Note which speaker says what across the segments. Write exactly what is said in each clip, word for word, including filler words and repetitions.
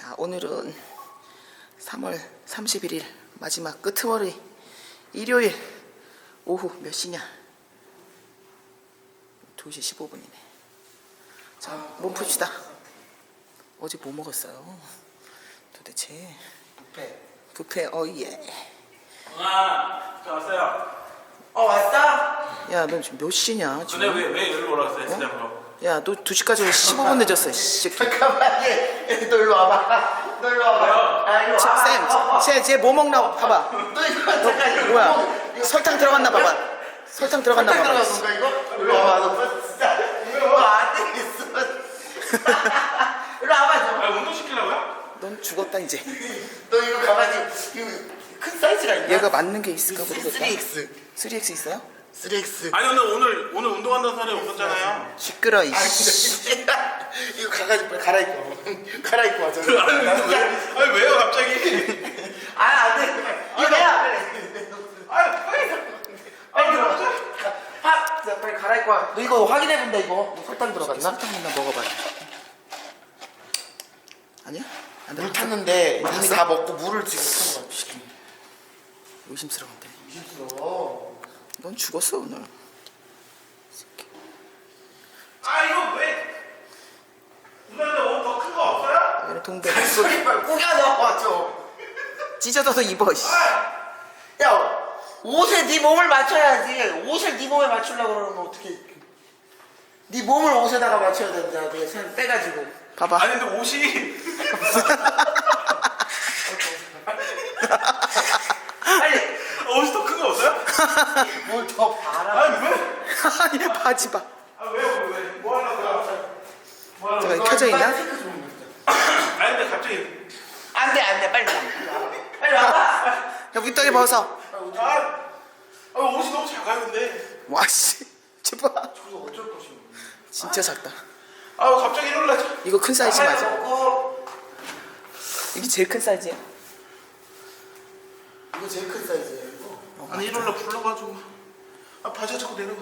Speaker 1: 자, 오늘은 삼월 삼십일일 마지막 끄트머리 일요일 오후 몇 시냐? 두 시 십오 분이네. 자, 몸 풉시다. 어제 뭐 먹었어요? 도대체.
Speaker 2: 뷔페.
Speaker 1: 뷔페, 어예.
Speaker 3: 아, 저 왔어요.
Speaker 2: 어 왔어?
Speaker 1: 야, 너 지금 몇 시냐?
Speaker 3: 근데
Speaker 1: 지금?
Speaker 3: 왜, 왜 여기로 올라왔어요, 진짜 그럼?
Speaker 1: 야, 너 두 시까지 십오 분 늦었어. 씨.
Speaker 2: 잠깐만 얘, 얘, 너 일로 와봐. 너 일로 와봐. 아 일로 와봐.
Speaker 1: 쌤, 쟤, 쟤 뭐 먹나 봐봐.
Speaker 2: 너 이거 잠깐 이거
Speaker 1: 뭐야?
Speaker 2: 뭐, 이거
Speaker 1: 설탕 들어갔나 봐봐. 설탕 들어갔나
Speaker 2: 설탕
Speaker 1: 봐봐.
Speaker 2: 들어간 건가 이거? 일로 와봐. 너 진짜 이거 안 되겠어. 일로 와봐 좀.
Speaker 3: 아, 운동 시키려고요?
Speaker 1: 넌 죽었다 이제.
Speaker 2: 너 이거 가만히 이거 큰 사이즈가 있냐?
Speaker 1: 얘가 맞는 게 있을까 모르겠다.
Speaker 2: 쓰리 엑스.
Speaker 1: 쓰리 엑스 있어요?
Speaker 2: 쓰리 엑스.
Speaker 3: 아니, 오늘, 오늘, 오늘 운동한다는 사람이 없었잖아요.
Speaker 1: 시끄러 이.
Speaker 2: 아 진짜 이거 가가지고 빨리 갈아입고 갈아입고 와줘.
Speaker 3: 아니, 왜, 아니, 왜요, 갑자기?
Speaker 2: 아 안돼. 이거 내야 빨리.
Speaker 3: 아니, 빨리.
Speaker 2: 빨리 들어가. 하, 자, 빨리 갈아입고 와. 너 이거 확인해 본다 이거. 뭐 설탕 들어갔나?
Speaker 1: 설탕 있나 먹어봐요. 아니야? 안
Speaker 2: 물
Speaker 1: 들어갔어?
Speaker 2: 탔는데
Speaker 1: 물
Speaker 2: 이미
Speaker 1: 탔어?
Speaker 2: 다 먹고 물을 지금 탄 거야.
Speaker 1: 의심스러운데.
Speaker 2: 의심스러워.
Speaker 1: 넌 죽었어 오늘.
Speaker 3: 아, 이거 왜? 누나한테 옷 더 큰 거 없어요?
Speaker 1: 얘는 동백.
Speaker 2: 소리 빨리 꾸겨 넣어 좀.
Speaker 1: 찢어져서 입어. 씨.
Speaker 2: 야 옷에 네 몸을 맞춰야지. 옷을 네 몸에 맞추려고 그러면 어떻게? 네 몸을 옷에다가 맞춰야 된다. 내가 살 빼가지고.
Speaker 1: 봐봐.
Speaker 3: 아니, 근데 옷이.
Speaker 2: 빨리
Speaker 3: 옷이 더 큰 거 없어요?
Speaker 2: 뭘 더 봐라.
Speaker 3: 아니, 왜?
Speaker 1: 아니 바지 봐.
Speaker 3: 아, 왜요, 왜? 뭐 하려고요? 뭐 하려고?
Speaker 1: 제가 켜져 있나?
Speaker 3: 아니, 근데 갑자기.
Speaker 2: 안돼 안돼 빨리 와. 빨리 와봐.
Speaker 1: 야 윗다리 벗어.
Speaker 3: 아, 아, 옷이 너무 작아요, 근데.
Speaker 1: 와 씨. 제발.
Speaker 2: 저거 어쩔 것이오.
Speaker 1: 진짜 작다.
Speaker 3: 아, 갑자기 이러려.
Speaker 1: 이거 큰 사이즈 맞아?
Speaker 2: 먹고.
Speaker 1: 이게 제일 큰 사이즈야?
Speaker 2: 이거 제일 큰 사이즈야 이거.
Speaker 3: 아니, 이러려 불러가지고. 아, 바지가 자꾸 내려가.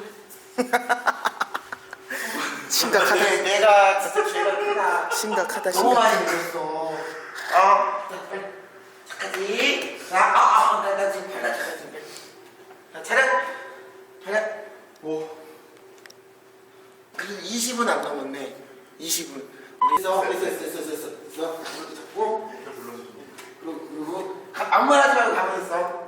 Speaker 1: 심각하다.
Speaker 2: 내, 내가 진짜 죄가 크다.
Speaker 1: 심각하다.
Speaker 2: 너무
Speaker 1: 심각.
Speaker 2: 많이 늦었어. 아, 잠깐지. 자, 아, 아, 나, 나 지금 팔라 차려 지금. 자, 차려. 차려.
Speaker 3: 뭐?
Speaker 2: 그래도 이십 분 안 남았네. 이십 분. 우리 있어, 있어, 있어, 있어, 있어, 있어. 이렇게 잡고. 그리고, 그리고 가, 아무 말 하지 말고 가만히 있어.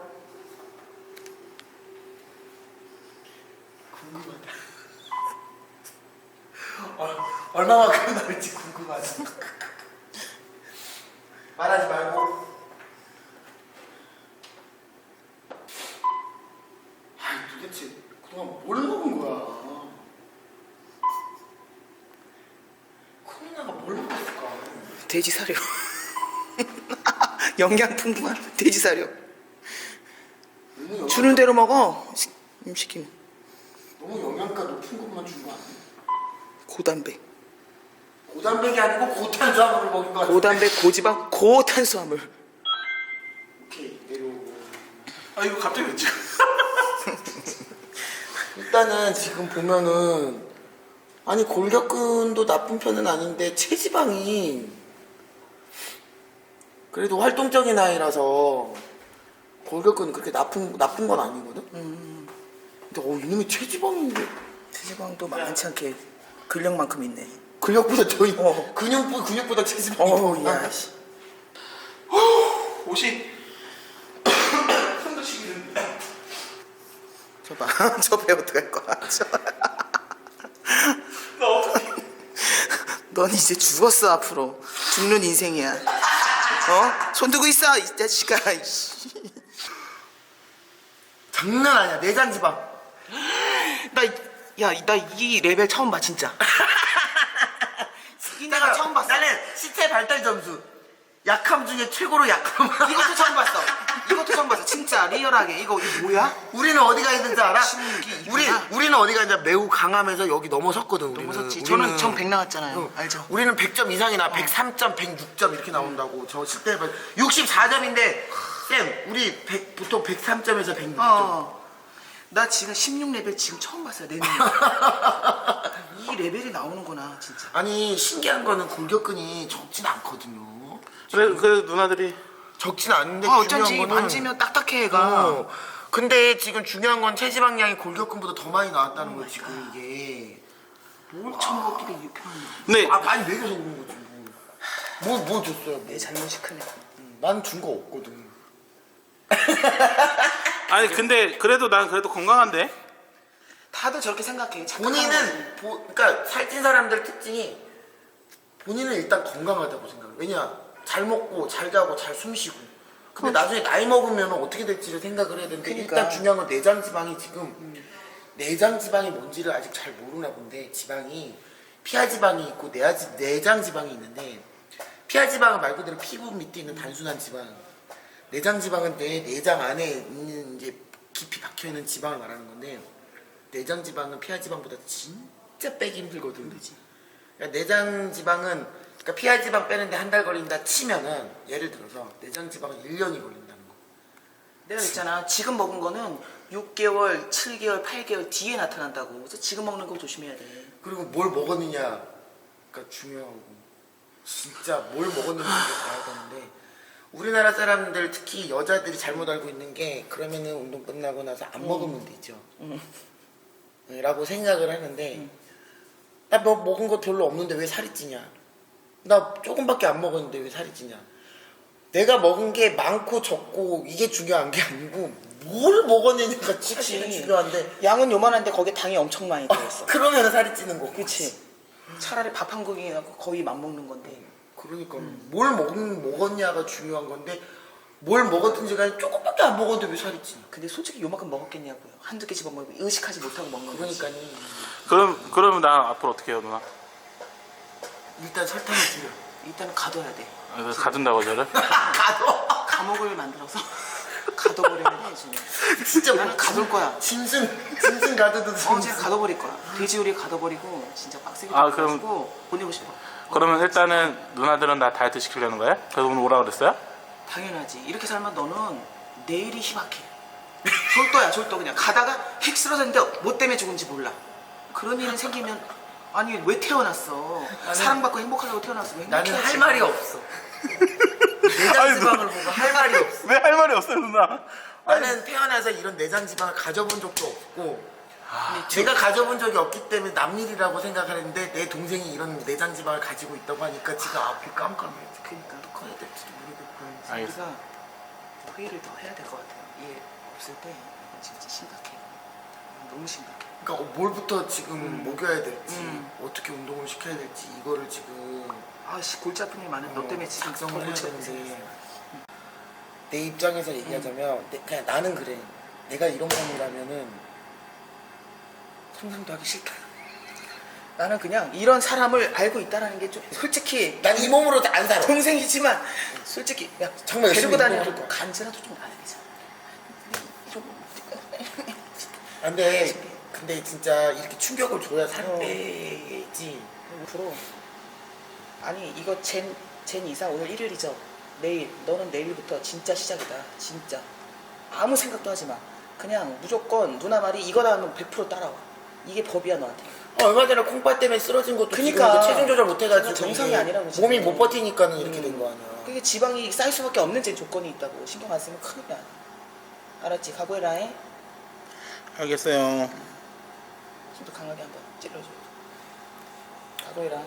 Speaker 2: 궁금하다. 어, 얼마만큼 나올지 궁금하다. 말하지 말고. 아, 도대체 그동안 뭘 먹은 거야? 코로나가 뭘 먹었을까?
Speaker 1: 돼지 사료. 영양 풍부한 돼지 사료.
Speaker 2: 너무 영양,
Speaker 1: 주는 대로 먹어. 시, 음, 시키면.
Speaker 2: 너무 영양가 높은 것만 준 거 아니야?
Speaker 1: 고단백.
Speaker 2: 고단백이 아니고 고탄수화물을 먹인 거 같아.
Speaker 1: 고단백, 고지방, 고탄수화물.
Speaker 2: 오케이 내려오고.
Speaker 3: 아, 이거 갑자기 왜 찍어?
Speaker 2: 일단은 지금 보면은 아니 골격근도 나쁜 편은 아닌데 체지방이 그래도 활동적인 나이라서 골격근은 그렇게 나쁜 나쁜 건 아니거든.
Speaker 1: 음,
Speaker 2: 근데 어 이놈이 체지방인데
Speaker 1: 체지방도 많지 않게 근력만큼 있네.
Speaker 2: 근력보다 더 있.
Speaker 1: 어.
Speaker 2: 근육보 근육보다 체지방이 더
Speaker 1: 어우,
Speaker 2: 많아.
Speaker 1: 야, 씨.
Speaker 3: 옷이. 손도 시키는데.
Speaker 1: 저 봐. 저 배 어떡할 거야. 저.
Speaker 3: 나 어떡해.
Speaker 1: 넌 이제 죽었어, 앞으로. 죽는 인생이야. 어? 손 들고 있어, 이 자식아. 이씨.
Speaker 2: 장난 아니야 내장 지방.
Speaker 1: 나, 야, 나 이 레벨 처음 봐, 진짜. 이 내가 처음 봤어.
Speaker 2: 나는 시체 발달 점수 약함 중에 최고로 약함.
Speaker 1: 이것도 처음 봤어. 이것도 처음 봤어. 진짜 리얼하게. 이거, 이거 뭐야?
Speaker 2: 우리는 어디가 있는지 알아?
Speaker 1: 신기
Speaker 2: 우리
Speaker 1: 있구나.
Speaker 2: 우리는 어디가 있냐 매우 강하면서 여기 넘어섰거든. 우리는.
Speaker 1: 넘어섰지.
Speaker 2: 우리는-
Speaker 1: 저는 전 백 나왔잖아요.
Speaker 2: 응.
Speaker 1: 알죠?
Speaker 2: 우리는 백 점 이상이 나. 백삼 점, 백육 점 이렇게 나온다고. 저 실제 육십사 점인데 쌤 우리 백, 보통 백삼 점에서 백육 점.
Speaker 1: 어. 나 지금 십육 레벨 지금 처음 봤어요, 내 눈으로. 이 레벨이 나오는구나 진짜.
Speaker 2: 아니 신기한 거는 골격근이 적진 않거든요.
Speaker 3: 그래 그래 누나들이
Speaker 2: 적진 않은데
Speaker 1: 아
Speaker 2: 중요한
Speaker 1: 어쩐지
Speaker 2: 거는
Speaker 1: 만지면 딱딱해 얘가.
Speaker 2: 어, 근데 지금 중요한 건 체지방량이 골격근보다 더 많이 나왔다는 거지 지금 이게.
Speaker 1: 뭘 처먹었길래 이렇게 많이.
Speaker 3: 근데
Speaker 2: 아 많이 먹여서 그런 거지. 뭐, 뭐 줬어요?
Speaker 1: 내 잘못이 크네.
Speaker 2: 난 준 거 없거든.
Speaker 3: 아니 근데 그래도 난 그래도 건강한데.
Speaker 1: 다들 저렇게 생각해. 착각하는 거지.
Speaker 2: 본인은 보, 그러니까 살찐 사람들 특징이 본인은 일단 건강하다고 생각해. 왜냐 잘 먹고 잘 자고 잘 숨쉬고. 근데 나중에 나이 먹으면 어떻게 될지를 생각을 해야 되는데
Speaker 1: 그러니까.
Speaker 2: 일단 중요한 건 내장 지방이 지금 음. 내장 지방이 뭔지를 아직 잘 모르나 본데 지방이 피하 지방이 있고 내하 지, 내장 지방이 있는데 피하 지방은 말 그대로 피부 밑에 있는 단순한 지방. 내장 지방은 내 내장 안에 있는 이제 깊이 박혀 있는 지방을 말하는 건데 내장 지방은 피하 지방보다 진짜 빼기 힘들거든. 그지? 그러니까 내장 지방은 그러니까 피하 지방 빼는데 한 달 걸린다 치면은 예를 들어서 내장 지방은 일 년이 걸린다는 거.
Speaker 1: 내가 있잖아. 지금 먹은 거는 육 개월, 칠 개월, 팔 개월 뒤에 나타난다고. 그래서 지금 먹는 거 조심해야 돼.
Speaker 2: 그리고 뭘 먹었느냐가 중요하고 진짜 뭘 먹었는지 봐야 되는데 우리나라 사람들 특히 여자들이 잘못 알고 있는 게 그러면은 운동 끝나고 나서 안 먹으면 되죠.
Speaker 1: 음.
Speaker 2: 네, 라고 생각을 하는데
Speaker 1: 음.
Speaker 2: 나 뭐 먹은 거 별로 없는데 왜 살이 찌냐? 나 조금밖에 안 먹었는데 왜 살이 찌냐? 내가 먹은 게 많고 적고 이게 중요한 게 아니고 뭘 먹었느냐가 사실은 중요한데
Speaker 1: 양은 요만한데 거기에 당이 엄청 많이 들어있어.
Speaker 2: 그러면 살이 찌는 거고.
Speaker 1: 그치? 차라리 밥 한 공기나 거의 맘먹는 건데.
Speaker 2: 그러니까 뭘 먹, 먹었냐가 중요한 건데 뭘 먹었든지 간에 조금밖에 안 먹었는데 왜 살이 찌냐?
Speaker 1: 근데 솔직히 요만큼 먹었겠냐고요. 한두 개 집어먹고 의식하지 못하고 먹는 거지.
Speaker 2: 그러니까니
Speaker 3: 그럼 그러면 나 앞으로 어떻게 해요 누나?
Speaker 2: 일단 설탕을 줄여.
Speaker 1: 일단은 가둬야 돼.
Speaker 3: 아, 가둔다고 저를?
Speaker 2: 가둬.
Speaker 1: 감옥을 만들어서 가둬버리면 해 지금.
Speaker 2: 진짜
Speaker 1: 나는
Speaker 2: 뭐
Speaker 1: 가둘 거야.
Speaker 2: 짐승 짐승 가두듯.
Speaker 1: 어, 진짜 가둬버릴 거야. 돼지우리 가둬버리고 진짜 빡세게
Speaker 3: 아,
Speaker 1: 가지고 보내고 싶어.
Speaker 3: 그러면 일단은 누나들은 나 다이어트 시키려는 거야? 그래서 오늘 오라 그랬어요?
Speaker 1: 당연하지. 이렇게 살면 너는 내일이 희박해. 졸도야 졸도. 그냥 가다가 헥 쓰러졌는데 뭐 때문에 죽은지 몰라. 그런 일이 생기면 아니 왜 태어났어? 사랑받고 행복하려고 태어났어. 왜
Speaker 2: 나는
Speaker 1: 행복해야지.
Speaker 2: 할 말이 없어. 내장 지방을 보고 할 말이 없어.
Speaker 3: 왜 할 말이 없어요 누나?
Speaker 2: 나는 태어나서 이런 내장 지방을 가져본 적도 없고 제가 가져본 적이 없기 때문에 남일이라고 생각하는데 내 동생이 이런 내장 지방을 가지고 있다고 하니까 지금 앞이 깜깜해.
Speaker 1: 그러니까
Speaker 2: 어떻게 해야 될지도 모르겠고.
Speaker 3: 알겠어.
Speaker 1: 우리가 회의를 더 해야 될 것 같아요. 얘 없을 때 이건 진짜 심각해. 너무 심각해.
Speaker 2: 그러니까 뭘부터 지금 먹여야 될지
Speaker 1: 음.
Speaker 2: 어떻게 운동을 시켜야 될지 이거를 지금
Speaker 1: 아씨 골치 아픈 일 많은 너 때문에 지금 더
Speaker 2: 작성을 해야
Speaker 1: 골치 아픈
Speaker 2: 되는데
Speaker 1: 생겼어.
Speaker 2: 내 입장에서 얘기하자면 내, 그냥 나는 그래. 내가 이런 몸이라면은 상상도 하기 싫다.
Speaker 1: 나는 그냥 이런 사람을 알고 있다라는 게 좀 솔직히
Speaker 2: 난 이 몸으로 안 살아.
Speaker 1: 동생이지만 솔직히 야
Speaker 2: 정말 열심히
Speaker 1: 데리고 다니는
Speaker 2: 운동할 거야.
Speaker 1: 간지라도 좀 나야 되잖아.
Speaker 2: 아, 근데 근데 진짜 이렇게 충격을 줘야 살
Speaker 1: 어.
Speaker 2: 빼지.
Speaker 1: 앞으로 아니 이거 젠, 젠 이사 오늘 일요일이죠. 내일 너는 내일부터 진짜 시작이다. 진짜 아무 생각도 하지 마. 그냥 무조건 누나 말이 이거다 하면 백 퍼센트 따라와. 이게 법이야 너한테.
Speaker 2: 어, 얼마 전에 콩팥 때문에 쓰러진 것도
Speaker 1: 그니까.
Speaker 2: 지금 이제 체중 조절 못해가지고
Speaker 1: 정상이
Speaker 2: 이게
Speaker 1: 아니라고, 지금.
Speaker 2: 몸이 못 버티니까는 이렇게
Speaker 1: 음.
Speaker 2: 된 거 아니야.
Speaker 1: 그게 지방이 쌓일 수밖에 없는 제 조건이 있다고. 신경 안 쓰면 큰일 나. 알았지? 각오해라. 해.
Speaker 3: 알겠어요.
Speaker 1: 힘도 강하게 한번 찔러줘. 각오해라.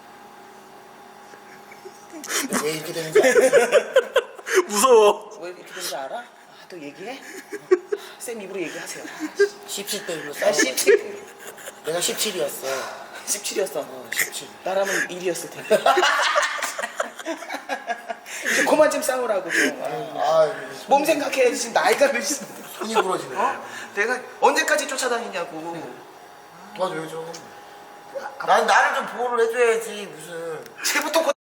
Speaker 2: 왜 이렇게 되는지 알지?
Speaker 3: 무서워.
Speaker 1: 왜 이렇게 되는지 알아? 아, 또 얘기해? 쌤 입으로 얘기하세요.
Speaker 2: 십칠 대 일로
Speaker 1: 나
Speaker 2: 싸워.
Speaker 1: 십칠.
Speaker 2: 내가 십칠이었어.
Speaker 1: 십칠이었어.
Speaker 2: 어, 십칠.
Speaker 1: 나라면 일이었을 텐데. 이제 그만 좀 싸우라고 좀. 아,
Speaker 2: 아,
Speaker 1: 몸 생각해야지. 지금 나이가 몇인데.
Speaker 2: 손이 부러지네.
Speaker 1: 어? 내가 언제까지 쫓아다니냐고.
Speaker 2: 도와줘야죠. 난 나를 좀 보호를 해줘야지 무슨.
Speaker 1: 쟤부터